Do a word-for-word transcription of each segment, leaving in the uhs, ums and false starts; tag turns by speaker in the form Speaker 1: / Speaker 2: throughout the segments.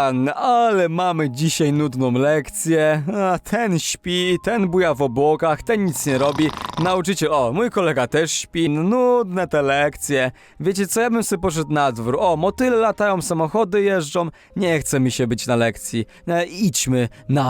Speaker 1: Alan, ale mamy dzisiaj nudną lekcję. A, ten śpi, ten buja w obłokach, ten nic nie robi. Nauczyciel, o, mój kolega też śpi. Nudne te lekcje. Wiecie co, ja bym sobie poszedł na dwór. O, motyle latają, samochody jeżdżą. Nie chce mi się być na lekcji. E, idźmy na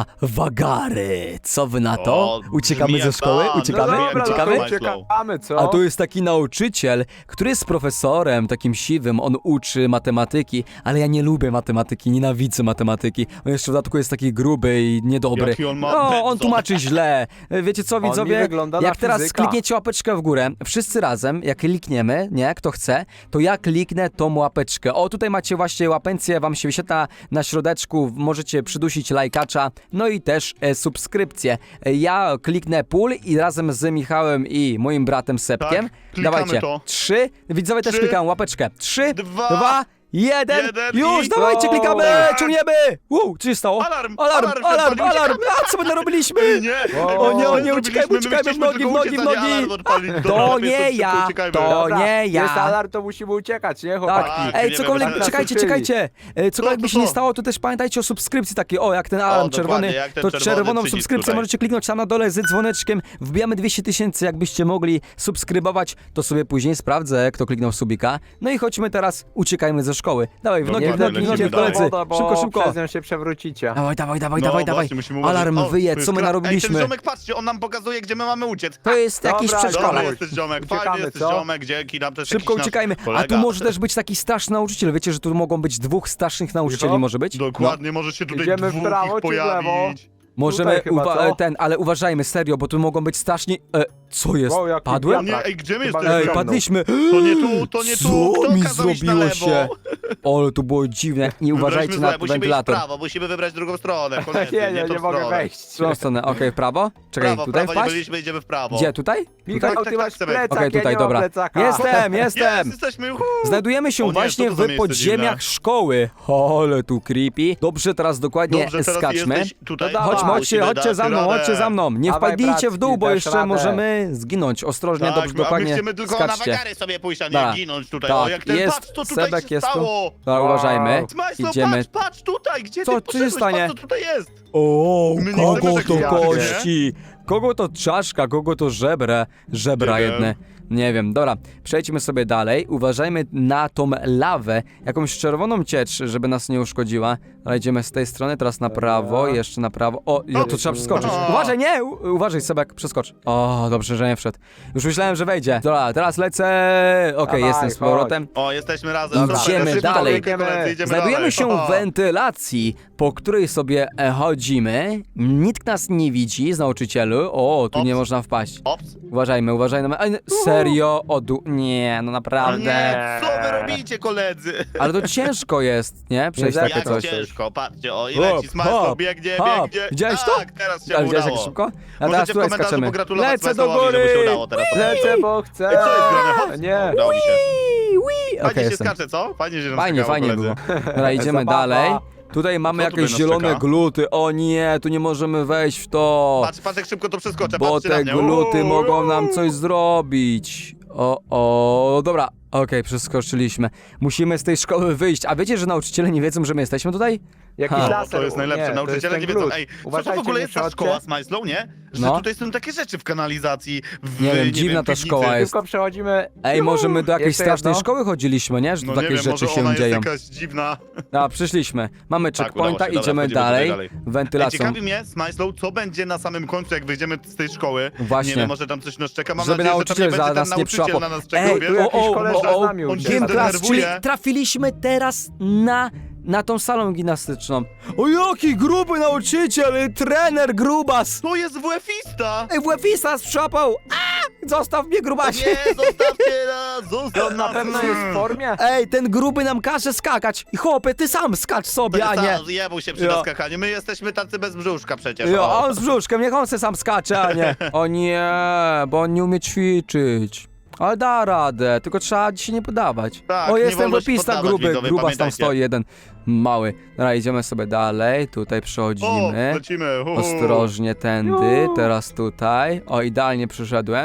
Speaker 1: wagary. Co wy na to?
Speaker 2: O,
Speaker 1: Uciekamy
Speaker 2: brzmi
Speaker 1: ze
Speaker 2: jak
Speaker 1: szkoły?
Speaker 2: plan.
Speaker 1: Uciekamy?
Speaker 2: No
Speaker 3: dobra,
Speaker 1: Uciekamy?
Speaker 3: no to uciekamy, co?
Speaker 1: A tu jest taki nauczyciel, który jest profesorem, takim siwym, on uczy matematyki, ale ja nie lubię matematyki, nienawidzę matematyki. On jeszcze w dodatku jest taki gruby i niedobry.
Speaker 2: Jaki on ma
Speaker 1: No, on
Speaker 2: pędzon.
Speaker 1: tłumaczy źle. Wiecie co,
Speaker 3: On mi
Speaker 1: widzowie?
Speaker 3: wygląda na
Speaker 1: Jak teraz
Speaker 3: fizyka.
Speaker 1: klikniecie łapeczkę w górę, wszyscy razem, jak klikniemy, nie, kto chce, to ja kliknę tą łapeczkę. O, tutaj macie właśnie łapencję, wam się wyświetla na środeczku, możecie przydusić lajkacza, no i też e, subskrypcję. E, ja kliknę pól i razem z Michałem i moim bratem Sepkiem.
Speaker 2: Tak, klikamy
Speaker 1: Dawajcie.
Speaker 2: to.
Speaker 1: Trzy. Widzowie też
Speaker 2: Trzy,
Speaker 1: klikają łapeczkę. Trzy,
Speaker 2: dwa,
Speaker 1: dwa, jeden.
Speaker 2: jeden
Speaker 1: Już,
Speaker 2: i-
Speaker 1: dawajcie, klikamy,
Speaker 2: Tak.
Speaker 1: ciągniemy. Wow, co się stało?
Speaker 2: Alarm,
Speaker 1: alarm,
Speaker 2: alarm,
Speaker 1: alarm,
Speaker 2: przed wami,
Speaker 1: alarm. A, co my narobiliśmy?
Speaker 2: Nie!
Speaker 3: O,
Speaker 1: nie, o nie,
Speaker 2: Zrobiliśmy,
Speaker 1: uciekajmy,
Speaker 2: my
Speaker 1: uciekajmy,
Speaker 2: chcieliśmy
Speaker 1: w nogi,
Speaker 2: tylko
Speaker 1: w nogi,
Speaker 2: uciec,
Speaker 1: w
Speaker 2: a nie
Speaker 1: nogi.
Speaker 2: alarm odpalić. Dobra,
Speaker 1: To
Speaker 2: lepiej
Speaker 1: nie
Speaker 2: szybko
Speaker 1: ja,
Speaker 2: uciekajmy.
Speaker 1: to
Speaker 3: Dobra,
Speaker 1: nie ja.
Speaker 3: Jest alarm, to musimy uciekać, nie,
Speaker 1: Tak,
Speaker 3: chłopaki?
Speaker 2: Tak.
Speaker 1: ej,
Speaker 2: nie
Speaker 1: cokolwiek,
Speaker 2: wiem,
Speaker 1: czekajcie,
Speaker 3: tak
Speaker 1: czekajcie. E, Cokolwiek
Speaker 2: to
Speaker 1: by się nie
Speaker 2: co?
Speaker 1: stało, to też pamiętajcie o subskrypcji takiej, o, jak ten alarm
Speaker 2: dokładnie,
Speaker 1: czerwony,
Speaker 2: jak ten
Speaker 1: to
Speaker 2: czerwony
Speaker 1: czerwoną
Speaker 2: przycisk
Speaker 1: subskrypcję
Speaker 2: tutaj.
Speaker 1: możecie kliknąć tam na dole z dzwoneczkiem. Wbijamy dwieście tysięcy, jakbyście mogli subskrybować, to sobie później sprawdzę, kto kliknął subika. No i chodźmy teraz, uciekajmy ze szkoły. Dawaj, w nogi, w
Speaker 2: Dokładnie,
Speaker 1: nogi, w nogi,
Speaker 2: lecimy
Speaker 1: koledzy.
Speaker 2: dalej.
Speaker 3: Woda, bo
Speaker 1: Szybko, szybko.
Speaker 3: przez nią się przewrócicie.
Speaker 1: Dawaj, dawaj, dawaj,
Speaker 2: No
Speaker 1: dawaj, dawaj.
Speaker 2: właśnie, musimy uważać.
Speaker 1: Alarm
Speaker 2: O,
Speaker 1: wyje,
Speaker 2: to jest
Speaker 1: co my
Speaker 2: gra- Ej,
Speaker 1: narobiliśmy?
Speaker 2: ten ziomek, patrzcie, on nam pokazuje, gdzie my mamy uciec.
Speaker 1: To jest jakiś
Speaker 3: Dobra,
Speaker 1: przedszkolak.
Speaker 2: Dobra,
Speaker 3: Dawaj.
Speaker 2: jesteś ziomek, fajnie
Speaker 3: Uciekamy,
Speaker 2: jesteś
Speaker 3: co?
Speaker 2: ziomek, dzięki nam też
Speaker 1: Szybko
Speaker 2: jakiś nasz
Speaker 1: uciekajmy. A
Speaker 2: kolega.
Speaker 1: tu może też być taki starszy nauczyciel. Wiecie, że tu mogą być dwóch starszych nauczycieli,
Speaker 3: Cicho.
Speaker 1: może być? No.
Speaker 2: Dokładnie, może się tutaj
Speaker 3: Idziemy w
Speaker 2: dwóch
Speaker 3: prawo
Speaker 2: ich
Speaker 3: czy w lewo?
Speaker 2: pojawić.
Speaker 1: Możemy
Speaker 3: Tutaj chyba,
Speaker 1: uwa-
Speaker 3: co?
Speaker 1: ten, ale uważajmy, serio, bo tu mogą być straszni... E, co jest?
Speaker 3: Wow, jaki
Speaker 1: Padłem?
Speaker 3: wiatrak.
Speaker 2: Nie, ej, gdzie my
Speaker 3: Chyba
Speaker 2: jesteśmy?
Speaker 1: Ej,
Speaker 3: ciągnął.
Speaker 1: padliśmy!
Speaker 2: To nie tu, to nie tu.
Speaker 1: Co
Speaker 2: Kto
Speaker 1: mi
Speaker 2: kazał iść na
Speaker 1: zrobiło
Speaker 2: lewo?
Speaker 1: się? Ale to było dziwne. Nie uważajcie
Speaker 2: Wybraliśmy
Speaker 1: na
Speaker 2: złe, musimy iść w
Speaker 1: wentylator.
Speaker 2: prawo, musimy wybrać drugą stronę.
Speaker 3: Nie,
Speaker 2: koniecznie,
Speaker 3: nie, nie,
Speaker 2: tą
Speaker 3: nie mogę
Speaker 2: stronę.
Speaker 3: wejść.
Speaker 1: W którą stronę? Okej, w prawo? Czekaj,
Speaker 2: Prawo,
Speaker 1: tutaj
Speaker 2: prawo nie
Speaker 1: wpaść?
Speaker 2: byliśmy, idziemy w prawo.
Speaker 1: Gdzie, tutaj?
Speaker 3: Michał,
Speaker 2: Tak,
Speaker 3: ty
Speaker 2: tak,
Speaker 3: masz
Speaker 2: tak,
Speaker 3: plecak,
Speaker 1: Okej,
Speaker 3: ja
Speaker 1: tutaj,
Speaker 3: nie mam
Speaker 1: dobra.
Speaker 3: plecaka.
Speaker 1: Jestem,
Speaker 2: Jest,
Speaker 1: jestem!
Speaker 2: jesteśmy, uhu.
Speaker 1: Znajdujemy się
Speaker 2: O nie,
Speaker 1: właśnie
Speaker 2: co to za
Speaker 1: w
Speaker 2: miejsce
Speaker 1: podziemiach
Speaker 2: dziwne?
Speaker 1: szkoły. Ale tu creepy. Dobrze, teraz dokładnie
Speaker 2: Dobrze, teraz
Speaker 1: skaczmy.
Speaker 2: jesteś tutaj.
Speaker 3: No
Speaker 1: Chodźmy,
Speaker 3: dawaj,
Speaker 1: chodźcie,
Speaker 2: musimy
Speaker 1: chodźcie
Speaker 2: dać
Speaker 1: za mną,
Speaker 2: radę.
Speaker 1: chodźcie za mną. Nie
Speaker 3: Dawaj,
Speaker 1: wpadnijcie w dół,
Speaker 3: bratki,
Speaker 1: bo
Speaker 3: dasz
Speaker 1: jeszcze
Speaker 3: radę.
Speaker 1: możemy zginąć. Ostrożnie,
Speaker 2: Tak,
Speaker 1: dobrze,
Speaker 2: a my
Speaker 1: dokładnie
Speaker 2: chcemy tylko na
Speaker 1: skaczcie.
Speaker 2: wagary sobie pójść, a nie
Speaker 1: Da.
Speaker 2: ginąć tutaj.
Speaker 1: Tak,
Speaker 2: O, jak ten,
Speaker 1: jest,
Speaker 2: patrz, co tutaj
Speaker 1: Sebek
Speaker 2: się
Speaker 1: jest tu.
Speaker 2: stało.
Speaker 1: Dobra, uważajmy.
Speaker 2: Smajslo,
Speaker 1: Idziemy.
Speaker 2: patrz, patrz tutaj, gdzie
Speaker 1: Co,
Speaker 2: ty
Speaker 1: co się
Speaker 2: poszedłeś?
Speaker 1: stanie?
Speaker 2: Patrz, co tutaj jest.
Speaker 1: O,
Speaker 2: My nie
Speaker 1: kogo
Speaker 2: chcemy
Speaker 1: to
Speaker 2: takich jazd, nie?
Speaker 1: kości? Kogo to czaszka, kogo to żebra? Żebra
Speaker 2: Nie wiem.
Speaker 1: jedne. Nie wiem, dobra, przejdźmy sobie dalej. Uważajmy na tą lawę, jakąś czerwoną ciecz, żeby nas nie uszkodziła. Ale idziemy z tej strony, teraz na prawo, jeszcze na prawo. O, ja, tu trzeba przeskoczyć.
Speaker 2: O.
Speaker 1: Uważaj, nie! U, uważaj, Sebek, przeskocz. O, dobrze, że nie wszedł. Już myślałem, że wejdzie. Dobra, teraz lecę. Okej,
Speaker 3: Dawaj,
Speaker 1: jestem z powrotem.
Speaker 2: O, jesteśmy razem.
Speaker 1: Dobra,
Speaker 2: Super,
Speaker 1: idziemy
Speaker 2: szybko,
Speaker 1: dalej.
Speaker 2: biegniemy, koledzy, idziemy
Speaker 1: Znajdujemy
Speaker 2: dalej.
Speaker 1: się
Speaker 2: O.
Speaker 1: w wentylacji, po której sobie e, chodzimy. Nikt nas nie widzi z nauczycielu. O, tu
Speaker 2: Ops.
Speaker 1: nie można wpaść.
Speaker 2: Ops.
Speaker 1: Uważajmy, uważajmy. Ej, serio? O, du... Nie, no naprawdę.
Speaker 2: Nie, co wy robicie, koledzy?
Speaker 1: Ale to ciężko jest, nie? Przejść
Speaker 3: Nie
Speaker 1: takie
Speaker 2: Jak
Speaker 1: coś.
Speaker 2: ciężko, patrzcie, o, i
Speaker 1: Hop,
Speaker 2: leci Smajslo,
Speaker 1: hop,
Speaker 2: biegnie,
Speaker 1: hop.
Speaker 2: biegnie.
Speaker 1: Widziałeś to?
Speaker 2: Tak, teraz się
Speaker 1: Ale widziałeś jak
Speaker 2: udało.
Speaker 1: szybko? A teraz
Speaker 2: Możecie w
Speaker 1: tutaj
Speaker 2: komentarzu
Speaker 1: skaczemy.
Speaker 2: pogratulować
Speaker 1: Lecę do
Speaker 2: Smajslowowi,
Speaker 1: góry!
Speaker 2: żeby się udało teraz.
Speaker 3: Lecę, bo chcę.
Speaker 2: Ej, co jest grane? Hop.
Speaker 3: Nie.
Speaker 2: Udało mi się.
Speaker 1: Wii, wii.
Speaker 2: Fajnie
Speaker 1: Okej,
Speaker 2: się
Speaker 1: jestem.
Speaker 2: skacze, co? Fajnie się nam
Speaker 1: Fajnie,
Speaker 2: skakało,
Speaker 1: fajnie
Speaker 2: koledzy.
Speaker 1: było. Dobra, idziemy
Speaker 3: Zabawa.
Speaker 1: dalej. Tutaj mamy
Speaker 2: Co tu
Speaker 1: jakieś
Speaker 2: nas
Speaker 1: zielone
Speaker 2: czeka?
Speaker 1: gluty. O nie, tu nie możemy wejść w to.
Speaker 2: Patrz, patrz jak szybko to przeskoczę,
Speaker 1: Bo
Speaker 2: patrzcie na
Speaker 1: te
Speaker 2: mnie.
Speaker 1: gluty
Speaker 2: Uuu.
Speaker 1: mogą nam coś zrobić. O, o, dobra. Okej, przeskoczyliśmy. Musimy z tej szkoły wyjść. A wiecie, że nauczyciele nie wiedzą, że my jesteśmy tutaj?
Speaker 3: Jakiś
Speaker 1: Ha.
Speaker 3: laser.
Speaker 2: To jest najlepsze,
Speaker 3: nie,
Speaker 2: nauczyciele
Speaker 3: to
Speaker 2: nie
Speaker 3: jest ten
Speaker 2: wiedzą.
Speaker 3: glut.
Speaker 2: Ej, co to w
Speaker 3: Uważajcie,
Speaker 2: ogóle
Speaker 3: nie
Speaker 2: jest ta
Speaker 3: przechodźcie.
Speaker 2: szkoła Smajslow, nie? Że
Speaker 1: No.
Speaker 2: tutaj są takie rzeczy w kanalizacji, w,
Speaker 1: Nie wiem, dziwna ta
Speaker 2: piwnicy.
Speaker 1: szkoła jest.
Speaker 3: Tylko przechodzimy.
Speaker 1: Ej, może my do jakiejś
Speaker 3: Jeszcze
Speaker 1: strasznej
Speaker 3: jedno?
Speaker 1: szkoły chodziliśmy, nie? Że tu
Speaker 2: No nie
Speaker 1: takie
Speaker 2: wiem,
Speaker 1: rzeczy
Speaker 2: może
Speaker 1: się
Speaker 2: ona
Speaker 1: dzieją.
Speaker 2: jest jakaś dziwna.
Speaker 1: A, przyszliśmy. Mamy
Speaker 2: Tak,
Speaker 1: checkpointa,
Speaker 2: udało się, dobra,
Speaker 1: idziemy
Speaker 2: wchodzimy
Speaker 1: dalej.
Speaker 2: tutaj dalej. Ej,
Speaker 1: Wentylacją.
Speaker 2: ciekawi mnie, Smajslow, co będzie na samym końcu, jak wyjdziemy z tej szkoły.
Speaker 1: Właśnie.
Speaker 2: Nie wiem, może tam coś nas czeka. Mam
Speaker 1: Żeby
Speaker 2: nadzieję, że tam nie
Speaker 1: nauczyciel za
Speaker 2: będzie
Speaker 1: nas
Speaker 2: ten
Speaker 1: nie
Speaker 2: nauczyciel
Speaker 1: przyłapał.
Speaker 2: na nas czekał,
Speaker 1: Ej,
Speaker 2: wiesz?
Speaker 3: tu jakiś
Speaker 1: o, o,
Speaker 3: koleża
Speaker 1: o,
Speaker 3: z nami
Speaker 1: o,
Speaker 3: ucieka.
Speaker 1: Gym class, czyli
Speaker 2: Zdenerwuje.
Speaker 1: trafiliśmy teraz na, na tą salą gimnastyczną. O, jaki gruby nauczyciel, trener grubas.
Speaker 2: To jest WF-ista!
Speaker 1: Ej, WF-ista nas przyłapał. A, zostaw mnie, grubasie.
Speaker 2: Nie, zostawcie nas, zostaw
Speaker 3: On na
Speaker 2: nas.
Speaker 3: pewno jest w formie.
Speaker 1: Ej, ten gruby nam każe skakać. I chłopie, ty sam skacz sobie, a nie...
Speaker 2: Jebał się przy
Speaker 1: Jo.
Speaker 2: naskakaniu. My jesteśmy tacy bez brzuszka przecież.
Speaker 1: Jo,
Speaker 2: o.
Speaker 1: on z brzuszkiem, niech on se sam skacze, a nie. O nie, bo on nie umie ćwiczyć. Ale da radę, tylko trzeba dzisiaj nie podawać.
Speaker 2: Tak,
Speaker 1: o,
Speaker 2: nie
Speaker 1: jestem
Speaker 2: wolno się
Speaker 1: wopista
Speaker 2: poddawać,
Speaker 1: gruby,
Speaker 2: widzowie,
Speaker 1: grubas tam
Speaker 2: pamiętajcie.
Speaker 1: stoi jeden mały. Dobra, idziemy sobie dalej, tutaj
Speaker 2: O,
Speaker 1: przechodzimy.
Speaker 2: lecimy. Uhu.
Speaker 1: Ostrożnie tędy, teraz tutaj. O, idealnie przyszedłem.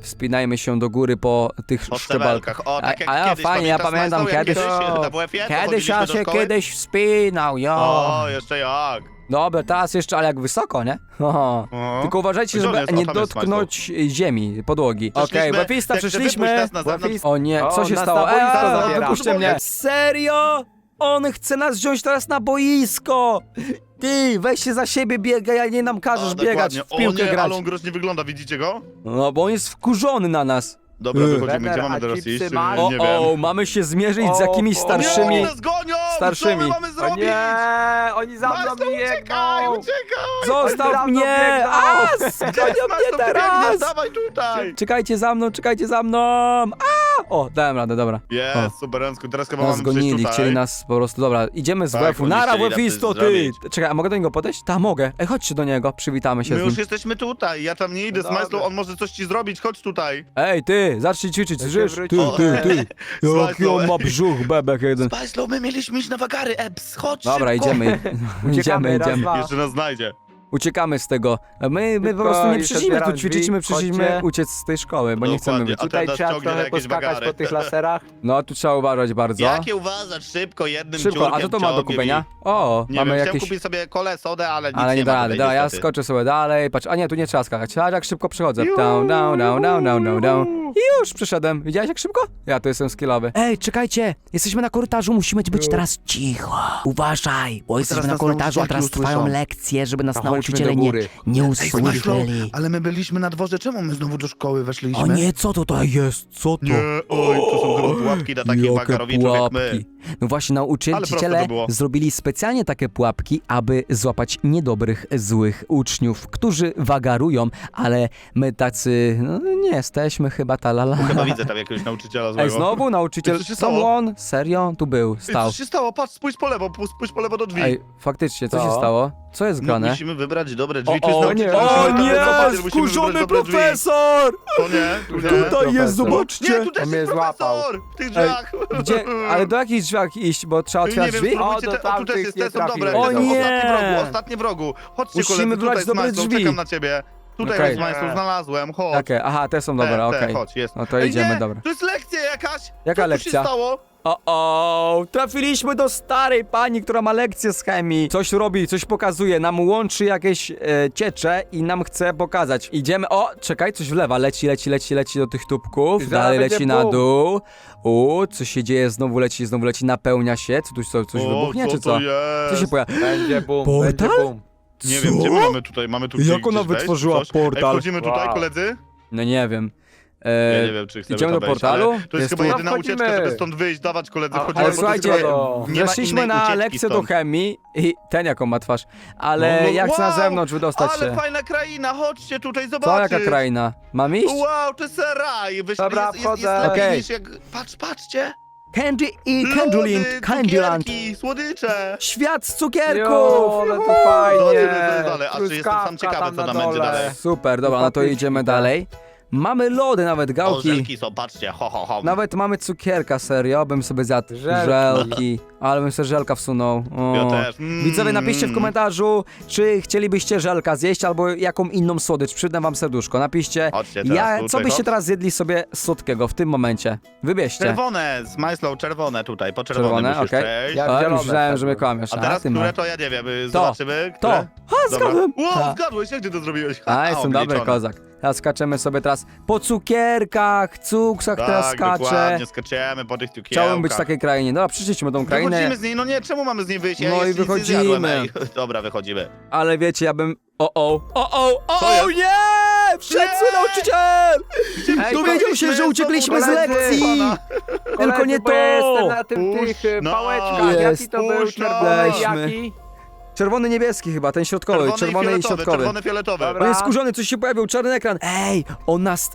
Speaker 1: Wspinajmy się do góry po tych
Speaker 2: Po
Speaker 1: szczebelkach.
Speaker 2: szczebelkach. O, tak jak
Speaker 1: a, a,
Speaker 2: kiedyś,
Speaker 1: fajnie, ja
Speaker 2: pamiętasz,
Speaker 1: pamiętam
Speaker 2: Smajslow, jak
Speaker 1: kiedyś.
Speaker 2: kiedyś na W F-ie, to
Speaker 1: Kiedyś ja
Speaker 2: chodziliśmy do
Speaker 1: się
Speaker 2: szkoły?
Speaker 1: kiedyś wspinał, jo.
Speaker 2: O, jeszcze jak.
Speaker 1: Dobra, teraz jeszcze, ale jak wysoko, nie? Oho.
Speaker 2: O.
Speaker 1: Tylko uważajcie,
Speaker 2: Gdzie on
Speaker 1: żeby
Speaker 2: jest? O,
Speaker 1: nie
Speaker 2: tam jest
Speaker 1: dotknąć ziemi, podłogi. Okej,
Speaker 2: Przeszliśmy,
Speaker 1: Łapista,
Speaker 2: jak chcę
Speaker 1: przeszliśmy.
Speaker 2: wypuść nas na zewnątrz.
Speaker 3: Łapista.
Speaker 1: O nie, co
Speaker 3: O,
Speaker 1: się
Speaker 3: nas
Speaker 1: stało?
Speaker 3: na boisko
Speaker 1: Eee,
Speaker 3: zabiera.
Speaker 1: wypuśćcie mnie. Serio? On chce nas wziąć teraz na boisko. Ty, weź się za siebie biegaj, a nie nam każesz
Speaker 2: O,
Speaker 1: biegać,
Speaker 2: dokładnie.
Speaker 1: w piłkę
Speaker 2: o, nie,
Speaker 1: grać.
Speaker 2: ale on groźnie wygląda, widzicie go?
Speaker 1: No, bo on jest wkurzony na nas.
Speaker 2: Dobra,
Speaker 1: Yy.
Speaker 2: wychodzimy,
Speaker 3: Trener,
Speaker 2: gdzie mamy
Speaker 3: a
Speaker 2: teraz
Speaker 3: chipsy
Speaker 2: iść?
Speaker 3: masz?
Speaker 2: Yy,
Speaker 1: O,
Speaker 2: Nie
Speaker 1: o,
Speaker 2: wiem.
Speaker 1: mamy się zmierzyć z
Speaker 3: O,
Speaker 1: jakimiś
Speaker 3: o,
Speaker 2: Nie,
Speaker 1: starszymi.
Speaker 2: oni nas gonią!
Speaker 1: starszymi.
Speaker 2: Co my mamy
Speaker 3: O
Speaker 2: zrobić?
Speaker 3: nie, oni za mną
Speaker 2: Majslow, uciekaj,
Speaker 3: biegną.
Speaker 2: uciekaj!
Speaker 1: Zostaw
Speaker 3: Oni za mną
Speaker 1: mnie!
Speaker 3: biegną.
Speaker 1: A,
Speaker 2: Gdzie
Speaker 1: zgonią
Speaker 2: jest
Speaker 1: mnie
Speaker 2: Majslow?
Speaker 1: teraz!
Speaker 2: Biegnie, dawaj tutaj!
Speaker 1: Czekajcie za mną, czekajcie za mną! A! O, dałem radę, dobra.
Speaker 2: Jest, super, Rensku, teraz chyba
Speaker 1: Nas
Speaker 2: mamy przyjść
Speaker 1: gonili,
Speaker 2: tutaj.
Speaker 1: chcieli nas po prostu, dobra, idziemy z
Speaker 2: Tak,
Speaker 1: W F-u.
Speaker 2: oni
Speaker 1: Nara,
Speaker 2: chcieli nas
Speaker 1: W F-isto, ty!
Speaker 2: zrobić.
Speaker 1: Czekaj, a mogę do niego podejść? Ta, mogę. Ej, chodźcie do niego, przywitamy się
Speaker 2: My
Speaker 1: z
Speaker 2: już
Speaker 1: nim.
Speaker 2: jesteśmy tutaj, ja tam nie idę z
Speaker 3: Dobra.
Speaker 2: Majslow, on może coś ci zrobić, chodź tutaj.
Speaker 1: Ej, ty, zacznij ćwiczyć,
Speaker 3: Ja się
Speaker 1: słyszysz? Ty,
Speaker 3: wróciłem.
Speaker 1: ty, ty. Jaki
Speaker 2: Smajslow,
Speaker 1: on ma
Speaker 2: ej.
Speaker 1: brzuch, bebek jeden.
Speaker 2: Majslow, my mieliśmy iść na wagary, Eps, chodź
Speaker 1: Dobra,
Speaker 2: szybko.
Speaker 1: idziemy, idziemy,
Speaker 3: Uciekamy, raz,
Speaker 1: idziemy.
Speaker 3: dwa.
Speaker 2: Jeszcze nas znajdzie.
Speaker 1: Uciekamy z tego. My, my po
Speaker 3: Szybko,
Speaker 1: prostu nie
Speaker 3: już
Speaker 1: przyszliśmy tu
Speaker 3: otwieram
Speaker 1: ćwiczyć,
Speaker 3: drzwi,
Speaker 1: my przyszliśmy
Speaker 3: chodźcie.
Speaker 1: uciec z tej szkoły, bo nie chcemy
Speaker 2: Dokładnie.
Speaker 1: być.
Speaker 2: A
Speaker 3: Tutaj
Speaker 2: teraz
Speaker 3: trzeba
Speaker 2: ciągnie
Speaker 3: trochę
Speaker 2: jakieś
Speaker 3: poskakać
Speaker 2: wagary.
Speaker 3: po tych laserach.
Speaker 1: No, tu trzeba uważać bardzo.
Speaker 2: Jakie uważasz, szybko, jednym
Speaker 1: Szybko,
Speaker 2: ciurkiem
Speaker 1: a co to ma do
Speaker 2: ciągnie
Speaker 1: kupienia?
Speaker 2: mi.
Speaker 1: O,
Speaker 2: Nie
Speaker 1: mamy
Speaker 2: wiem,
Speaker 1: jakieś...
Speaker 2: chciałem kupić sobie kole, sodę, ale nic
Speaker 1: Ale nie
Speaker 2: nie
Speaker 1: da
Speaker 2: ma
Speaker 1: rady,
Speaker 2: tutaj,
Speaker 1: dobra, ja
Speaker 2: niestety.
Speaker 1: skoczę sobie dalej, patrz, a nie, tu nie trzeba skakać, a jak szybko przechodzę, down, down, down, down, down, down, down. I już przyszedłem, widziałeś jak szybko? Ja tu jestem skillowy. Ej, czekajcie, jesteśmy na korytarzu, musimy być teraz cicho. Uważaj, bo jesteśmy
Speaker 2: teraz
Speaker 1: na
Speaker 2: nas
Speaker 1: korytarzu, a
Speaker 2: nauczycielki
Speaker 1: teraz trwają
Speaker 2: usłyszą.
Speaker 1: lekcje, żeby nas
Speaker 3: To chodźmy
Speaker 1: nauczyciele
Speaker 3: do
Speaker 1: nie,
Speaker 3: góry.
Speaker 1: nie
Speaker 2: Ej, Smajslow,
Speaker 1: usłyszeli.
Speaker 2: ale my byliśmy na dworze, czemu my znowu do szkoły weszliśmy?
Speaker 1: O nie, co to tutaj jest, co to?
Speaker 2: Nie, oj, to są chyba pułapki dla takich
Speaker 1: Jakie
Speaker 2: wagarowiczów jak my.
Speaker 1: pułapki. No właśnie,
Speaker 2: Ale proste
Speaker 1: nauczyciele
Speaker 2: to było.
Speaker 1: zrobili specjalnie takie pułapki, aby złapać niedobrych, złych uczniów, którzy wagarują, ale my tacy, no nie jesteśmy chyba talala.
Speaker 2: Chyba widzę tam jakiegoś nauczyciela złego.
Speaker 1: Ej, znowu nauczyciel,
Speaker 2: Ej, co się stało?
Speaker 1: someone, serio, tu był,
Speaker 2: Ej,
Speaker 1: stał.
Speaker 2: co się stało? Patrz, spójrz po lewo, pu- spójrz po lewo do drzwi.
Speaker 1: Ej, faktycznie, co
Speaker 3: Co?
Speaker 1: się stało? Co jest
Speaker 2: No,
Speaker 1: grane?
Speaker 2: musimy wybrać dobre drzwi.
Speaker 1: O,
Speaker 2: Tu jest
Speaker 1: o,
Speaker 2: nauczyciel,
Speaker 3: nie,
Speaker 2: musimy
Speaker 3: o
Speaker 2: tam
Speaker 3: nie,
Speaker 2: zobaczyć, musimy wybrać
Speaker 1: Skurzony
Speaker 2: dobre drzwi.
Speaker 1: profesor!
Speaker 2: To nie, tu nie.
Speaker 1: Tutaj
Speaker 3: profesor.
Speaker 1: jest, zobaczcie!
Speaker 2: Nie, tu też
Speaker 3: On mnie
Speaker 2: jest
Speaker 3: złapał.
Speaker 2: profesor! W tych drzwiach!
Speaker 1: Gdzie, ale do jakich drzwiach iść, bo trzeba
Speaker 2: Nie
Speaker 1: otwierać
Speaker 2: wiem,
Speaker 1: drzwi?
Speaker 2: spróbujcie
Speaker 3: O, do
Speaker 2: te, o tu też
Speaker 3: tamtych
Speaker 2: jest,
Speaker 3: nie
Speaker 2: te są dobre.
Speaker 3: trafiłem.
Speaker 2: te
Speaker 1: O
Speaker 2: są
Speaker 1: nie!
Speaker 2: Ostatni wrogu, ostatni wrogu. Chodźcie
Speaker 1: Musimy
Speaker 2: koledzy,
Speaker 1: wybrać
Speaker 2: tutaj z
Speaker 1: dobre
Speaker 2: Majslow,
Speaker 1: drzwi.
Speaker 2: czekam na ciebie. Tutaj
Speaker 1: Okej.
Speaker 2: jest Majslow, znalazłem, chodź.
Speaker 1: Jakie? Aha, te są dobre,
Speaker 2: Te, te,
Speaker 1: okej.
Speaker 2: chodź, jest.
Speaker 1: No to
Speaker 2: Ej,
Speaker 1: idziemy,
Speaker 2: nie,
Speaker 1: dobra.
Speaker 2: to jest lekcja jakaś!
Speaker 1: Jaka
Speaker 2: Co
Speaker 1: lekcja?
Speaker 2: tu się stało?
Speaker 1: O, o, trafiliśmy do starej pani, która ma lekcję z chemii. Coś robi, coś pokazuje, nam łączy jakieś e, ciecze i nam chce pokazać. Idziemy, o, czekaj, coś wlewa, leci, leci, leci, leci do tych tubków,
Speaker 3: Zaraz
Speaker 1: dalej
Speaker 3: będzie
Speaker 1: leci na
Speaker 3: bum.
Speaker 1: dół. U, co się dzieje, znowu leci, znowu leci, napełnia się. Co tu co, coś
Speaker 2: O,
Speaker 1: wybuchnie,
Speaker 2: co
Speaker 1: czy co?
Speaker 2: to jest?
Speaker 1: Co się pojawia?
Speaker 3: Będzie bum,
Speaker 1: Portal?
Speaker 3: będzie bum.
Speaker 2: Nie wiem, gdzie my mamy tutaj, mamy tu gdzieś,
Speaker 1: Jak ona
Speaker 2: gdzieś wejść,
Speaker 1: wytworzyła
Speaker 2: coś?
Speaker 1: portal?
Speaker 2: Ej, wchodzimy tutaj,
Speaker 3: Wow.
Speaker 2: koledzy?
Speaker 1: No nie wiem.
Speaker 2: Ja
Speaker 1: E,
Speaker 2: nie wiem, czy chcemy
Speaker 1: idziemy
Speaker 2: tam
Speaker 1: do
Speaker 2: wejść,
Speaker 1: portalu?
Speaker 2: ale to jest,
Speaker 1: Jest
Speaker 2: chyba
Speaker 1: tu-
Speaker 2: jedyna
Speaker 3: No,
Speaker 2: ucieczka,
Speaker 3: wchodzimy.
Speaker 2: żeby stąd wyjść, dawać koledzy,
Speaker 3: A-
Speaker 2: wchodzimy,
Speaker 1: ale
Speaker 2: bo to
Speaker 1: słuchajcie,
Speaker 2: jest-
Speaker 3: do-
Speaker 2: nie ma
Speaker 1: weszliśmy
Speaker 2: innej
Speaker 1: na
Speaker 2: ucieczki
Speaker 1: lekcję do
Speaker 2: stąd.
Speaker 1: chemii i ten jaką ma twarz, ale
Speaker 2: No, no,
Speaker 1: ja chcę na
Speaker 2: wow,
Speaker 1: zewnątrz wydostać
Speaker 2: Ale
Speaker 1: się.
Speaker 2: fajna kraina, chodźcie tutaj
Speaker 1: Co,
Speaker 2: zobaczyć.
Speaker 1: jaka kraina? Mam iść?
Speaker 2: Wow, to jest raj. Wyszli,
Speaker 3: Dobra,
Speaker 2: jest, jest, jest
Speaker 3: wchodzę.
Speaker 2: lepiej
Speaker 1: Okej.
Speaker 2: niż jak... Patrz, patrzcie.
Speaker 1: Candy i Candyland,
Speaker 2: Lody,
Speaker 1: Candyland.
Speaker 2: cukierki, słodycze.
Speaker 1: Świat z cukierków!
Speaker 3: Jo, ale to fajnie.
Speaker 2: Zobaczymy, co jest dalej. A czy jestem sam
Speaker 3: Truskawka
Speaker 2: ciekawy,
Speaker 3: tam
Speaker 2: co
Speaker 3: na
Speaker 2: tam będzie
Speaker 3: dole.
Speaker 2: dalej.
Speaker 1: Super, dobra, no to
Speaker 3: Patyczki,
Speaker 1: idziemy
Speaker 3: tak.
Speaker 1: dalej. Mamy lody, nawet
Speaker 2: O,
Speaker 1: gałki.
Speaker 2: żelki są, patrzcie, ho, ho, ho.
Speaker 1: Nawet mamy cukierka, serio, bym sobie zjadł
Speaker 3: Żelki.
Speaker 1: żelki. Ale bym sobie żelka wsunął. O.
Speaker 2: Ja też. Mm.
Speaker 1: Widzowie, napiszcie w komentarzu, czy chcielibyście żelka zjeść, albo jaką inną słodycz. Przydam wam serduszko. Napiszcie,
Speaker 2: Chodźcie teraz
Speaker 1: ja,
Speaker 2: tutaj,
Speaker 1: co byście
Speaker 2: chodź.
Speaker 1: teraz zjedli sobie słodkiego w tym momencie. Wybierzcie.
Speaker 2: Czerwone, z Majslow, czerwone tutaj, po czerwone
Speaker 1: Czerwone,
Speaker 2: musisz
Speaker 1: okej.
Speaker 2: przejść.
Speaker 3: Ja-
Speaker 1: A,
Speaker 3: zielone
Speaker 1: myślałem, że mnie
Speaker 3: wtedy.
Speaker 1: kłamiesz.
Speaker 2: A teraz,
Speaker 1: ty ma.
Speaker 2: które to ja nie wiem, y,
Speaker 1: To,
Speaker 2: zobaczymy.
Speaker 1: To!
Speaker 2: Które?
Speaker 1: Ha,
Speaker 2: Dobra.
Speaker 1: zgadłem!
Speaker 2: Wow,
Speaker 1: Ha.
Speaker 2: zgadłeś, jak ty to zrobiłeś?
Speaker 1: A,
Speaker 2: Ha,
Speaker 1: jestem dobry
Speaker 2: obliczone.
Speaker 1: kozak. Teraz skaczemy sobie teraz po cukierkach, cuksach teraz
Speaker 2: Tak,
Speaker 1: skaczę.
Speaker 2: dokładnie, skaczemy po tych cukierkach.
Speaker 1: Chciałbym być w takiej krainie. Dobra, przyszliśmy tą krainę,
Speaker 2: Wychodzimy z niej, no nie, czemu mamy z niej wyjść? Ja
Speaker 1: No i
Speaker 2: jeszcze nic nie
Speaker 1: wychodzimy.
Speaker 2: zjadłem, ej. Dobra, wychodzimy.
Speaker 1: ale wiecie, ja bym... O, o, o, o, o,
Speaker 2: Co
Speaker 1: o
Speaker 2: jest?
Speaker 1: nie! Wszedł
Speaker 2: Nie!
Speaker 1: zły nauczyciel!
Speaker 3: Ej,
Speaker 1: Dowiedział się, że uciekliśmy z
Speaker 3: koledzy,
Speaker 1: lekcji!
Speaker 2: pana.
Speaker 1: Tylko nie
Speaker 3: Koledzy, bo ja
Speaker 1: to!
Speaker 3: jestem na tym
Speaker 2: Puść
Speaker 3: tych y,
Speaker 2: nas.
Speaker 3: pałeczkach.
Speaker 1: Jest.
Speaker 3: Jaki to był?
Speaker 2: Puść nas.
Speaker 3: Czerwony,
Speaker 1: Weźmy.
Speaker 3: jaki?
Speaker 1: Czerwony, niebieski chyba, ten środkowy, czerwony,
Speaker 2: i
Speaker 1: i
Speaker 2: fioletowy,
Speaker 1: środkowy.
Speaker 2: czerwony, fioletowy.
Speaker 3: Dobra.
Speaker 1: On jest skurzony, coś się pojawił, czarny ekran. Ej, on nas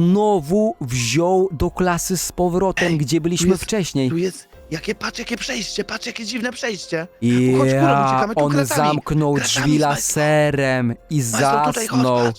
Speaker 1: znowu wziął do klasy z powrotem,
Speaker 2: Ej,
Speaker 1: gdzie
Speaker 2: tu
Speaker 1: byliśmy
Speaker 2: jest-
Speaker 1: wcześniej.
Speaker 2: Tu jest, jakie, patrz jakie przejście, patrz jakie dziwne przejście.
Speaker 1: I
Speaker 2: Chodź, górą uciekamy tu
Speaker 1: on
Speaker 2: kratami.
Speaker 1: zamknął
Speaker 2: Kratami,
Speaker 1: drzwi
Speaker 2: Majslow.
Speaker 1: laserem i
Speaker 2: Majslow, tutaj chodź,
Speaker 1: zasnął.
Speaker 2: patrz.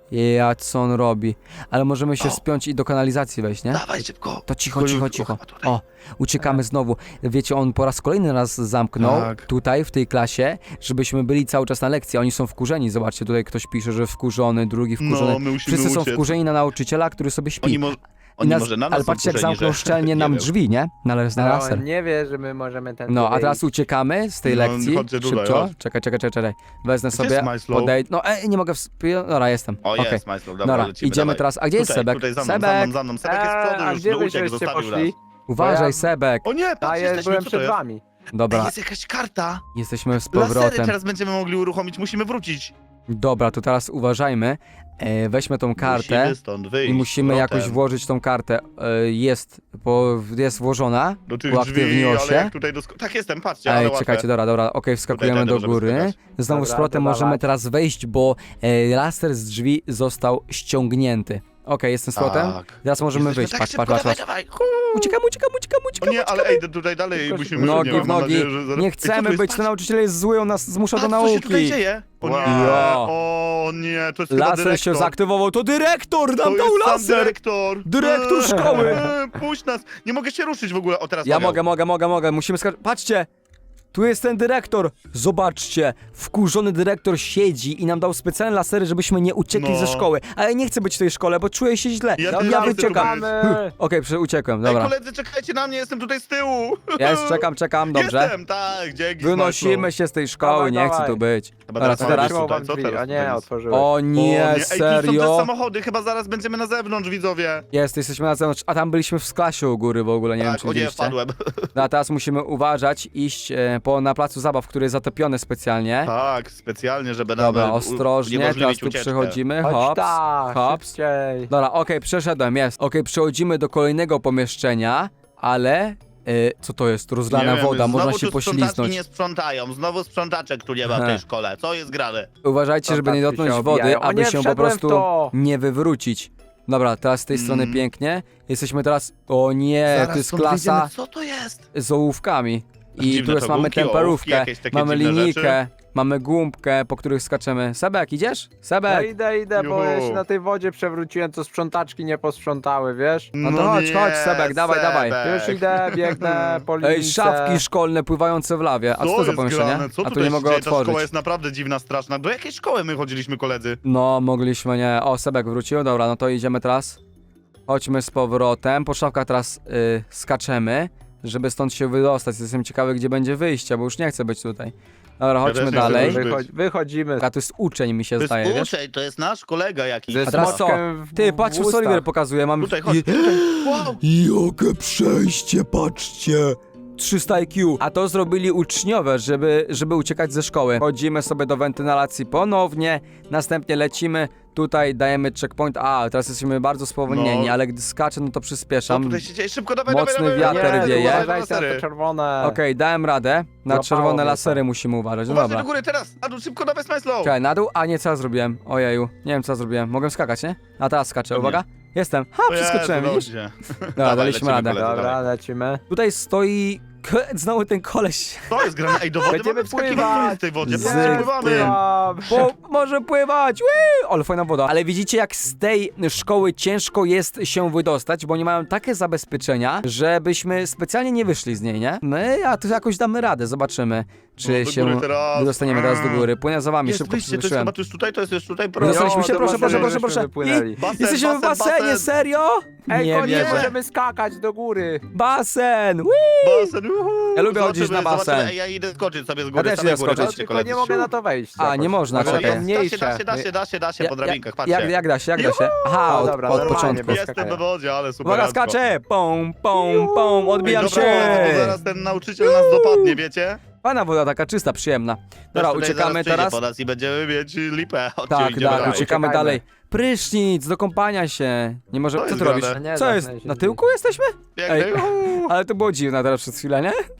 Speaker 1: Ja, co on robi? Ale możemy się
Speaker 2: O.
Speaker 1: spiąć i do kanalizacji wejść, nie?
Speaker 2: Dawaj szybko.
Speaker 1: To cicho,
Speaker 2: Tylko
Speaker 1: cicho,
Speaker 2: już-
Speaker 1: cicho.
Speaker 2: o, tutaj.
Speaker 1: O, uciekamy znowu. Wiecie, on po raz kolejny nas zamknął
Speaker 2: Tak.
Speaker 1: tutaj, w tej klasie, żebyśmy byli cały czas na lekcji. Oni są wkurzeni. Zobaczcie, tutaj ktoś pisze, że wkurzony, drugi wkurzony.
Speaker 2: No, my musimy
Speaker 1: Wszyscy są
Speaker 2: uciec.
Speaker 1: wkurzeni na nauczyciela, który sobie śpi.
Speaker 2: Oni, mo
Speaker 1: I
Speaker 2: oni
Speaker 1: nas-
Speaker 2: może na nas
Speaker 1: ale
Speaker 2: są
Speaker 1: patrzcie, jak
Speaker 2: wkurzeni,
Speaker 1: zamknął
Speaker 2: że-
Speaker 1: szczelnie
Speaker 2: nie
Speaker 1: nam
Speaker 2: wiem.
Speaker 1: drzwi, nie? Na, les- na
Speaker 3: No,
Speaker 1: laser.
Speaker 3: on nie wie, że my możemy ten.
Speaker 1: No, a teraz uciekamy z tej
Speaker 2: No,
Speaker 1: lekcji.
Speaker 2: chodźcie tutaj,
Speaker 1: Szybko.
Speaker 2: chodź.
Speaker 1: Czekaj, czekaj, czekaj, czekaj. Wezmę
Speaker 2: Gdzie
Speaker 1: sobie,
Speaker 2: jest Majslow?
Speaker 1: podej... No, ej, nie mogę wspi... Dobra, jestem.
Speaker 2: O,
Speaker 1: Okej.
Speaker 2: jest, Majslow, dobra,
Speaker 1: Dobra,
Speaker 2: lecimy,
Speaker 1: idziemy
Speaker 2: dawaj.
Speaker 1: teraz. A gdzie jest
Speaker 2: Tutaj,
Speaker 1: Sebek?
Speaker 2: tutaj, za mną,
Speaker 1: Sebek!
Speaker 2: za mną, za mną. Sebek jest z
Speaker 3: Eee,
Speaker 2: przodu,
Speaker 3: a
Speaker 2: już
Speaker 3: gdzie
Speaker 2: uciekł,
Speaker 3: wyście
Speaker 2: zostawił nas.
Speaker 3: poszli?
Speaker 1: Uważaj,
Speaker 3: ja-
Speaker 1: Sebek.
Speaker 2: O nie,
Speaker 3: A
Speaker 2: patrz,
Speaker 3: ja
Speaker 2: jesteśmy,
Speaker 3: byłem
Speaker 2: co to
Speaker 3: przed
Speaker 2: jest?
Speaker 3: wami.
Speaker 2: Ej,
Speaker 1: Dobra,
Speaker 2: jest jakaś karta.
Speaker 1: jesteśmy z
Speaker 2: Lasery
Speaker 1: powrotem.
Speaker 2: teraz będziemy mogli uruchomić, musimy wrócić.
Speaker 1: Dobra, to teraz uważajmy. E, weźmy tą kartę
Speaker 2: Musimy stąd wyjść.
Speaker 1: i musimy
Speaker 2: z
Speaker 1: jakoś
Speaker 2: powrotem.
Speaker 1: włożyć tą kartę. E, jest, bo jest włożona.
Speaker 2: Do tych
Speaker 1: uaktywniło
Speaker 2: drzwi,
Speaker 1: się.
Speaker 2: ale jak tutaj do... sk- Tak, jestem, patrzcie, ale
Speaker 1: Ej,
Speaker 2: łatwe.
Speaker 1: czekajcie, dobra, dobra, okej, wskakujemy
Speaker 2: Tutaj
Speaker 1: do
Speaker 2: możemy
Speaker 1: góry.
Speaker 2: skakać.
Speaker 1: Znowu z
Speaker 3: Dobra,
Speaker 1: powrotem
Speaker 3: dodawać.
Speaker 1: możemy teraz wejść, bo e, laser z drzwi został ściągnięty. Okej, jestem z powrotem.
Speaker 2: Tak.
Speaker 1: Teraz możemy
Speaker 2: Jesteśmy-
Speaker 1: wyjść,
Speaker 2: tak,
Speaker 1: patrz,
Speaker 2: szybko,
Speaker 1: patrz, patrz,
Speaker 2: dawaj,
Speaker 1: patrz.
Speaker 2: dawaj.
Speaker 1: Uciekamy, uciekamy, uciekamy,
Speaker 2: O
Speaker 1: uciekamy.
Speaker 2: nie, ale ej, tutaj dalej
Speaker 3: Szybko,
Speaker 2: musimy...
Speaker 3: szybko.
Speaker 1: Nogi
Speaker 2: nie,
Speaker 1: w
Speaker 2: mam
Speaker 1: nogi.
Speaker 2: nadzieję, że zaraz-
Speaker 1: Nie
Speaker 2: Ej, co tu
Speaker 1: chcemy
Speaker 2: jest?
Speaker 1: być,
Speaker 2: Patrz,
Speaker 1: ten nauczyciel jest zły, on nas zmusza do
Speaker 2: patrz, co się tutaj
Speaker 1: nauki.
Speaker 2: dzieje? O nie,
Speaker 1: Wow.
Speaker 2: o nie, to jest chyba
Speaker 1: Laser
Speaker 2: dyrektor.
Speaker 1: się zaaktywował, to dyrektor
Speaker 2: To
Speaker 1: nam dał
Speaker 2: jest sam
Speaker 1: laser!
Speaker 2: dyrektor.
Speaker 1: Dyrektor
Speaker 2: Eee,
Speaker 1: szkoły.
Speaker 2: Puść nas, nie mogę się ruszyć w ogóle. O, teraz
Speaker 1: Ja
Speaker 2: mogę.
Speaker 1: mogę, mogę, mogę, mogę, musimy skakać. Patrzcie! Tu jest ten dyrektor! Zobaczcie! Wkurzony dyrektor siedzi i nam dał specjalne lasery, żebyśmy nie uciekli
Speaker 2: No.
Speaker 1: ze szkoły. Ale ja nie chcę być w tej szkole, bo czuję się źle.
Speaker 2: Ja
Speaker 1: Ja,
Speaker 2: też
Speaker 1: ja
Speaker 2: chcę
Speaker 1: wyciekam.
Speaker 2: tu
Speaker 1: Okej,
Speaker 3: Mamy.
Speaker 1: przy- uciekłem,
Speaker 2: Ej,
Speaker 1: dobra.
Speaker 2: koledzy, czekajcie na mnie, jestem tutaj z tyłu.
Speaker 1: Ja już czekam, czekam, dobrze.
Speaker 2: Jestem, tak, dzięki.
Speaker 1: Wynosimy
Speaker 2: Smaczno.
Speaker 1: się z tej szkoły,
Speaker 3: Dawaj,
Speaker 1: nie chcę
Speaker 3: dawaj.
Speaker 1: tu być.
Speaker 2: Chyba
Speaker 1: Dobra,
Speaker 2: teraz
Speaker 1: co
Speaker 2: mamy
Speaker 1: teraz?
Speaker 2: być tutaj,
Speaker 3: Otworzyłam
Speaker 2: co
Speaker 3: drzwi,
Speaker 2: teraz
Speaker 3: a nie,
Speaker 2: tutaj jest?
Speaker 3: otworzyłeś.
Speaker 1: O
Speaker 2: O
Speaker 1: nie,
Speaker 2: Ej, tu są też
Speaker 1: serio?
Speaker 2: samochody, chyba zaraz będziemy na zewnątrz, widzowie.
Speaker 1: Jest, jesteśmy na zewnątrz, a tam byliśmy w klasie u góry w ogóle, nie wiem
Speaker 2: tak,
Speaker 1: czy
Speaker 2: o nie,
Speaker 1: widzieliście.
Speaker 2: wpadłem.
Speaker 1: No, a teraz musimy uważać, iść e, po, na placu zabaw, który jest zatopiony specjalnie.
Speaker 2: Tak, specjalnie, żeby nam
Speaker 1: Dobra,
Speaker 2: u-
Speaker 1: ostrożnie, teraz
Speaker 2: uniemożliwić
Speaker 1: tu
Speaker 2: ucieczkę.
Speaker 1: przechodzimy,
Speaker 3: Chodź
Speaker 1: hops,
Speaker 3: tak,
Speaker 1: hops.
Speaker 3: szybciej.
Speaker 1: Dobra, okej, przeszedłem, jest. Okej, przechodzimy do kolejnego pomieszczenia, ale... Y, co to jest? Rozlana
Speaker 2: Nie wiem,
Speaker 1: woda, można
Speaker 2: znowu
Speaker 1: się
Speaker 2: tu sprzątaczki
Speaker 1: pośliznąć.
Speaker 2: nie sprzątają, znowu sprzątaczek tu nie ma w tej szkole. Co jest grane?
Speaker 1: Uważajcie, żeby nie
Speaker 3: Sprzątaczki
Speaker 1: dotknąć
Speaker 3: się
Speaker 1: wody,
Speaker 3: obijają. O
Speaker 1: aby
Speaker 3: nie,
Speaker 1: się po
Speaker 3: wszedłem w
Speaker 1: prostu
Speaker 3: to.
Speaker 1: nie wywrócić. Dobra, teraz z tej strony
Speaker 2: Mm.
Speaker 1: pięknie. Jesteśmy teraz... O nie,
Speaker 2: Zaraz
Speaker 1: to jest
Speaker 2: stąd
Speaker 1: klasa
Speaker 2: wyjdziemy. Co to jest?
Speaker 1: z ołówkami. I
Speaker 2: Dziwne
Speaker 1: tu jest,
Speaker 2: to
Speaker 1: mamy
Speaker 2: gumki, ołówki,
Speaker 1: temperówkę,
Speaker 2: jakieś takie
Speaker 1: mamy
Speaker 2: dziwne
Speaker 1: linijkę, mamy gumkę, po których skaczemy. Sebek, idziesz?
Speaker 3: No
Speaker 1: Sebek!
Speaker 3: idę, idę, bo ja
Speaker 2: Juhu.
Speaker 3: się na tej wodzie przewróciłem, co sprzątaczki nie posprzątały, wiesz?
Speaker 1: No to chodź,
Speaker 2: nie,
Speaker 1: chodź, Sebek, dawaj, dawaj.
Speaker 3: Już idę, biegnę po linijce.
Speaker 1: Ej, szafki szkolne pływające w lawie. A co to za
Speaker 2: jest
Speaker 1: pomieszczenie?
Speaker 2: grane? Co
Speaker 1: A tu
Speaker 2: tutaj
Speaker 1: nie
Speaker 2: się
Speaker 1: mogę
Speaker 2: dzieje? Ta szkoła
Speaker 1: otworzyć.
Speaker 2: jest naprawdę dziwna, straszna. Do jakiej szkoły my chodziliśmy, koledzy?
Speaker 1: No, mogliśmy nie. O, Sebek wrócił, dobra, no to idziemy teraz. Chodźmy z powrotem. Po szafkach teraz y, skaczemy, żeby stąd się wydostać. Jestem ciekawy, gdzie będzie wyjście, bo już nie chcę być tutaj. Dobra, chodźmy
Speaker 2: też nie chcę
Speaker 1: dalej.
Speaker 2: być.
Speaker 3: Wychodź, wychodzimy.
Speaker 1: A to jest uczeń, mi się
Speaker 2: To
Speaker 1: zdaje,
Speaker 2: jest
Speaker 1: wiesz?
Speaker 2: uczeń, to jest nasz kolega jakiś.
Speaker 3: Ze
Speaker 1: A teraz co?
Speaker 3: smoczkiem w-
Speaker 1: Ty, patrz,
Speaker 3: w
Speaker 1: co Oliver
Speaker 3: ustach.
Speaker 1: pokazuje. Mamy...
Speaker 2: Tutaj, chodź,
Speaker 1: I-
Speaker 2: tutaj. Wow!
Speaker 1: Jakie przejście, patrzcie! trzysta I Q. A to zrobili uczniowie, żeby, żeby uciekać ze szkoły. Chodzimy sobie do wentylacji ponownie, następnie lecimy, tutaj dajemy checkpoint. A, teraz jesteśmy bardzo spowolnieni,
Speaker 2: No.
Speaker 1: ale gdy skaczę, no to
Speaker 2: Co
Speaker 1: przyspieszam.
Speaker 2: tutaj się dzieje? Szybko, dawaj,
Speaker 1: Mocny
Speaker 2: dawaj, dawaj,
Speaker 1: wiatr
Speaker 2: dawaj,
Speaker 1: wieje.
Speaker 2: dawaj,
Speaker 3: Uważajcie na te
Speaker 2: lasery.
Speaker 3: czerwone.
Speaker 1: Okej, dałem radę. Na
Speaker 3: Złapało
Speaker 1: czerwone
Speaker 3: mnie to.
Speaker 1: lasery musimy uważać. No
Speaker 2: Uważaj
Speaker 1: dobra.
Speaker 2: do góry teraz! A tu szybko, dawaj, smile slow!
Speaker 1: Czekaj, na dół? A nie, co ja zrobiłem? Ojeju, nie wiem co ja zrobiłem. Mogłem skakać, nie? A teraz skaczę,
Speaker 2: Pewnie.
Speaker 1: uwaga. Jestem. Ha,
Speaker 2: O Jezu,
Speaker 1: przeskoczyłem, widzisz?
Speaker 2: dobrze.
Speaker 1: Dobra,
Speaker 2: Dawaj,
Speaker 1: daliśmy
Speaker 2: lecimy,
Speaker 1: radę.
Speaker 2: koledzy,
Speaker 3: Dobra,
Speaker 2: dawaj.
Speaker 3: lecimy.
Speaker 1: Tutaj stoi... Znowu ten koleś.
Speaker 2: To jest grane. Ej, do wody
Speaker 3: Będziemy
Speaker 2: mamy wskakiwać
Speaker 3: pływać.
Speaker 2: w tej wodzie.
Speaker 1: Z
Speaker 2: Patrzcie, pływamy!
Speaker 1: tym.
Speaker 3: Pływam.
Speaker 1: Bo może pływać! Wii! Ale fajna woda. Ale widzicie, jak z tej szkoły ciężko jest się wydostać, bo oni mają takie zabezpieczenia, żebyśmy specjalnie nie wyszli z niej, nie? My, a tu jakoś damy radę, zobaczymy, czy
Speaker 2: No, do
Speaker 1: się
Speaker 2: góry teraz.
Speaker 1: wydostaniemy teraz do góry. Płynę za wami,
Speaker 2: Jest
Speaker 1: szybko
Speaker 2: wyjście, to jest
Speaker 1: przyspieszyłem.
Speaker 2: chyba tu już tutaj, to jest już tutaj. proszę.
Speaker 1: Wydostaliśmy
Speaker 3: Jo,
Speaker 1: się,
Speaker 3: do
Speaker 1: proszę, proszę,
Speaker 3: basenu
Speaker 1: proszę, proszę.
Speaker 3: żeśmy wypłynęli.
Speaker 1: I
Speaker 2: Basen,
Speaker 1: jesteśmy w
Speaker 2: basen,
Speaker 1: basenie,
Speaker 2: basen.
Speaker 1: serio?
Speaker 3: Ej,
Speaker 1: Nie
Speaker 3: konie,
Speaker 1: wierzę.
Speaker 3: możemy skakać do góry.
Speaker 1: Basen! Wii!
Speaker 2: Basen, uhu.
Speaker 1: Ja lubię
Speaker 2: Zobaczymy,
Speaker 1: chodzić na basen.
Speaker 2: zobaczymy. Ej, ja idę skoczyć sobie z góry,
Speaker 1: też
Speaker 2: same
Speaker 1: idę
Speaker 2: góry,
Speaker 1: skoczyć.
Speaker 2: chodźcie,
Speaker 3: Tylko
Speaker 2: koledzy.
Speaker 3: nie mogę na to wejść.
Speaker 1: A,
Speaker 3: jakoś.
Speaker 1: nie można,
Speaker 3: Może
Speaker 1: czekaj.
Speaker 3: takie
Speaker 2: Da się,
Speaker 3: mniejsze.
Speaker 2: da się, da się, da się, da się po drabinkach, patrzcie.
Speaker 1: Jak, jak da się, jak da się? Aha, od,
Speaker 2: Dobra,
Speaker 1: od
Speaker 3: normalnie,
Speaker 1: początku.
Speaker 3: bez
Speaker 2: Jestem
Speaker 3: skakania.
Speaker 2: we wodzie, ale super.
Speaker 1: Uwaga, skaczę! Pum, pum, pum, odbijam
Speaker 2: Ej,
Speaker 1: się!
Speaker 2: dobra, bo zaraz ten nauczyciel nas dopadnie, wiecie?
Speaker 1: Fajna woda, taka czysta, przyjemna. Dobra,
Speaker 2: Też tutaj
Speaker 1: uciekamy
Speaker 2: zaraz przyjdzie
Speaker 1: teraz.
Speaker 2: po nas i będziemy mieć lipę. Chodźcie,
Speaker 1: Tak,
Speaker 2: idziemy
Speaker 1: tak,
Speaker 2: dalej.
Speaker 1: uciekamy
Speaker 3: Uciekajmy.
Speaker 1: dalej. Prysznic, do kąpania się. Nie może.
Speaker 2: To
Speaker 1: Co
Speaker 2: jest
Speaker 1: ty robisz?
Speaker 2: grane.
Speaker 3: No nie,
Speaker 1: Co jest?
Speaker 3: zamknę się
Speaker 1: Na
Speaker 3: drzwi.
Speaker 1: tyłku jesteśmy?
Speaker 2: Biegnę,
Speaker 1: Ej.
Speaker 2: juhu.
Speaker 1: Ale to było dziwne teraz przez chwilę, nie?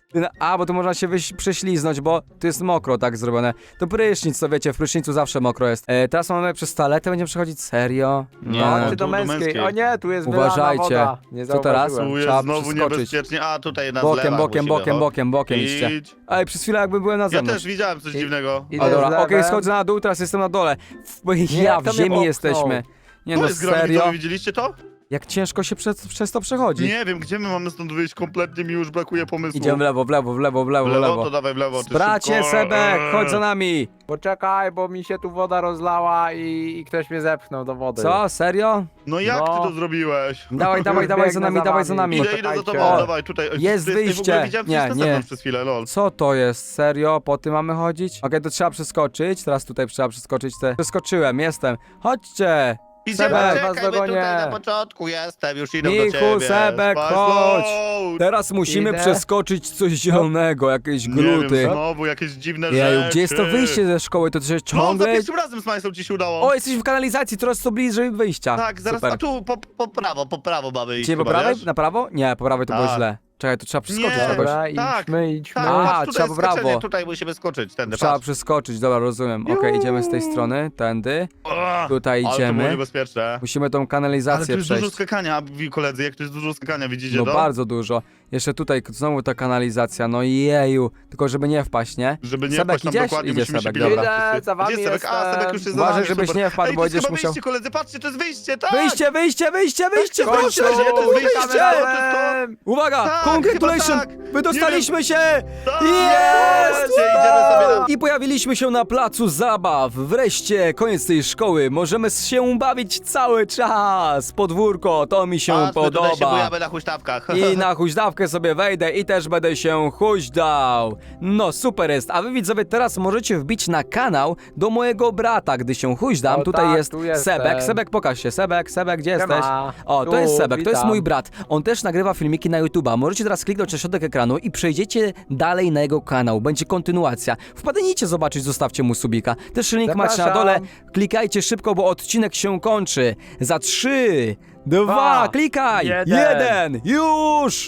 Speaker 1: Ty- A, bo tu można się wyś- prześliznąć, bo tu jest mokro tak zrobione. To prysznic, to wiecie, w prysznicu zawsze mokro jest. E, teraz mamy przez toaletę, będziemy przechodzić serio?
Speaker 2: Nie,
Speaker 3: No,
Speaker 2: no,
Speaker 3: czy do
Speaker 2: tu do
Speaker 3: męskiej.
Speaker 2: męskiej.
Speaker 3: O nie, tu jest
Speaker 1: Uważajcie.
Speaker 3: wylana woda. Nie
Speaker 1: Co teraz?
Speaker 3: zauważyłem.
Speaker 2: Tu jest
Speaker 1: Trzeba
Speaker 2: znowu
Speaker 1: przeskoczyć.
Speaker 2: niebezpiecznie. A, tutaj na
Speaker 1: Bokiem,
Speaker 2: zlewach
Speaker 1: bokiem,
Speaker 2: musimy,
Speaker 1: bokiem,
Speaker 2: chodź.
Speaker 1: bokiem, bokiem idźcie.
Speaker 2: Idź.
Speaker 1: Ej, przez chwilę jakby byłem na
Speaker 2: Ja
Speaker 1: zewnątrz.
Speaker 2: też widziałem coś
Speaker 3: I-
Speaker 2: dziwnego.
Speaker 3: idę
Speaker 1: O, dobra,
Speaker 3: z
Speaker 1: okej,
Speaker 3: lewem.
Speaker 1: schodzę na dół, teraz jestem na dole. W, ja
Speaker 3: jak
Speaker 1: w
Speaker 3: to mnie
Speaker 1: ziemi
Speaker 3: popchnął?
Speaker 1: jesteśmy. Nie
Speaker 2: To
Speaker 1: no,
Speaker 2: jest gra,
Speaker 1: serio?
Speaker 2: widzowie, widzieliście to?
Speaker 1: Jak ciężko się przez, przez to przechodzi.
Speaker 2: Nie wiem, gdzie my mamy stąd wyjść, kompletnie mi już brakuje pomysłu.
Speaker 1: Idziemy w lewo, w lewo, w lewo, w lewo,
Speaker 2: w
Speaker 1: w
Speaker 2: lewo,
Speaker 1: lewo.
Speaker 2: to dawaj w lewo. ty
Speaker 1: Bracie,
Speaker 2: szybko.
Speaker 1: Sebek, chodź za
Speaker 2: Eee.
Speaker 1: nami.
Speaker 3: Poczekaj, bo mi się tu woda rozlała i, i ktoś mnie zepchnął do wody.
Speaker 1: Co, serio?
Speaker 2: No jak
Speaker 3: No.
Speaker 2: ty to zrobiłeś?
Speaker 1: Dawaj, dawaj, dawaj za
Speaker 3: Biegnę
Speaker 1: nami,
Speaker 3: za
Speaker 1: dawaj za
Speaker 3: wami.
Speaker 1: nami.
Speaker 2: Idę, idę za tobą,
Speaker 3: Poczekajcie.
Speaker 2: dawaj, tutaj.
Speaker 1: Jest
Speaker 2: Ty- ty w ogóle
Speaker 1: wyjście.
Speaker 2: widziałem
Speaker 1: Nie,
Speaker 2: coś na
Speaker 1: nie.
Speaker 2: zewnątrz przez chwilę, lol.
Speaker 1: Co to jest? Serio? Po tym mamy chodzić? Okej, to trzeba przeskoczyć. Teraz tutaj trzeba przeskoczyć te... Przeskoczyłem, jestem. Chodźcie!
Speaker 2: Idziemy,
Speaker 1: Sebek,
Speaker 2: czekaj,
Speaker 3: was
Speaker 2: my tutaj
Speaker 3: dogonię.
Speaker 2: na początku jestem, już idę do
Speaker 1: Michu,
Speaker 2: ciebie.
Speaker 1: Sebek,
Speaker 2: Spać,
Speaker 1: chodź.
Speaker 2: no.
Speaker 1: Teraz musimy
Speaker 3: Idę.
Speaker 1: przeskoczyć coś zielonego, jakieś
Speaker 2: Nie
Speaker 1: gruty.
Speaker 2: wiem, znowu jakieś dziwne
Speaker 1: Jeju,
Speaker 2: rzeczy.
Speaker 1: gdzie jest to wyjście ze szkoły? To się
Speaker 2: No, za
Speaker 1: ciągle...
Speaker 2: pierwszym razem z Majsą ci się udało.
Speaker 1: O, jesteśmy w kanalizacji, coraz to bliżej wyjścia.
Speaker 2: Tak, zaraz,
Speaker 1: Super.
Speaker 2: a tu po, po prawo, po prawo mamy iść
Speaker 1: Gdzie, po
Speaker 2: chyba,
Speaker 1: prawej?
Speaker 2: wiesz?
Speaker 1: Na prawo? Nie, po prawej to było
Speaker 2: Tak.
Speaker 1: źle. Czekaj, to trzeba przeskoczyć
Speaker 2: Nie.
Speaker 1: jakoś.
Speaker 3: Dobra,
Speaker 2: Tak,
Speaker 3: idźmy, idźmy.
Speaker 2: Tak,
Speaker 1: A,
Speaker 2: patrz, tutaj
Speaker 1: trzeba
Speaker 2: jest
Speaker 1: w prawo.
Speaker 2: skoczenie, tutaj musimy skoczyć, tędy,
Speaker 1: Trzeba
Speaker 2: patrz.
Speaker 1: przeskoczyć, dobra, rozumiem. Okej, idziemy z tej strony, tędy.
Speaker 2: Ach,
Speaker 1: Tutaj
Speaker 2: Ale to było
Speaker 1: idziemy.
Speaker 2: niebezpieczne.
Speaker 1: Musimy tą
Speaker 2: Ale tu
Speaker 1: kanalizację
Speaker 2: jest dużo
Speaker 1: przejść.
Speaker 2: skakania, wi- koledzy, jak tu jest dużo skakania, widzicie
Speaker 1: No
Speaker 2: to?
Speaker 1: bardzo dużo. Jeszcze tutaj znowu ta kanalizacja, no jeju. Tylko żeby nie wpaść, nie?
Speaker 2: Żeby nie
Speaker 1: Sebek,
Speaker 2: wpaść tam
Speaker 1: idziesz?
Speaker 2: dokładnie,
Speaker 1: Idzie
Speaker 2: musimy się
Speaker 1: Sebek,
Speaker 2: pilnować
Speaker 1: dobra.
Speaker 2: wszyscy.
Speaker 3: Idę, za wami
Speaker 2: Gdzie jest Sebek? A, Sebek już jest za
Speaker 1: Uważaj,
Speaker 2: nami,
Speaker 1: żebyś
Speaker 2: super.
Speaker 1: nie wpadł,
Speaker 2: Ej,
Speaker 1: bo
Speaker 2: to jest
Speaker 1: będziesz
Speaker 2: chyba
Speaker 1: musiał-
Speaker 2: wyjście, koledzy, patrzcie, to jest wyjście, tak!
Speaker 1: Wyjście, wyjście, wyjście, wyjście,
Speaker 2: Tak,
Speaker 1: proszę!
Speaker 2: kończę, to jest wyjście,
Speaker 3: Witamy
Speaker 2: to jest to.
Speaker 3: razem.
Speaker 1: Uwaga!
Speaker 2: Tak,
Speaker 1: Congratulations!
Speaker 2: chyba tak.
Speaker 1: Wydostaliśmy się!
Speaker 2: Tak!
Speaker 1: Jest!
Speaker 2: Idziemy sobie na...
Speaker 1: I pojawiliśmy się na placu zabaw. Wreszcie, koniec tej szkoły. Możemy się bawić cały czas. Podwórko, to mi się
Speaker 2: Patrz, my tutaj się
Speaker 1: podoba.
Speaker 2: bujamy na huśtawkach.
Speaker 1: I na huźdawkę sobie wejdę i też będę się huźdał. No super jest, a wy widzowie teraz możecie wbić na kanał do mojego brata, gdy się huźdam.
Speaker 3: O
Speaker 1: Tutaj
Speaker 3: tak,
Speaker 1: jest
Speaker 3: tu jestem.
Speaker 1: Sebek. Sebek, pokaż się. Sebek, Sebek, gdzie
Speaker 3: Siema.
Speaker 1: jesteś? O, to
Speaker 3: Tu,
Speaker 1: jest Sebek, to jest
Speaker 3: witam.
Speaker 1: mój brat. On też nagrywa filmiki na YouTube'a. Możecie teraz kliknąć na środek ekranu i przejdziecie dalej na jego kanał. Będzie kontynuacja. Wpadnijcie zobaczyć, zostawcie mu subika. Też link macie na
Speaker 3: Zapraszam.
Speaker 1: dole. Klikajcie szybko, bo odcinek się kończy. Za trzy, dwa,
Speaker 3: Dwa,
Speaker 1: klikaj!
Speaker 3: jeden.
Speaker 1: jeden, już!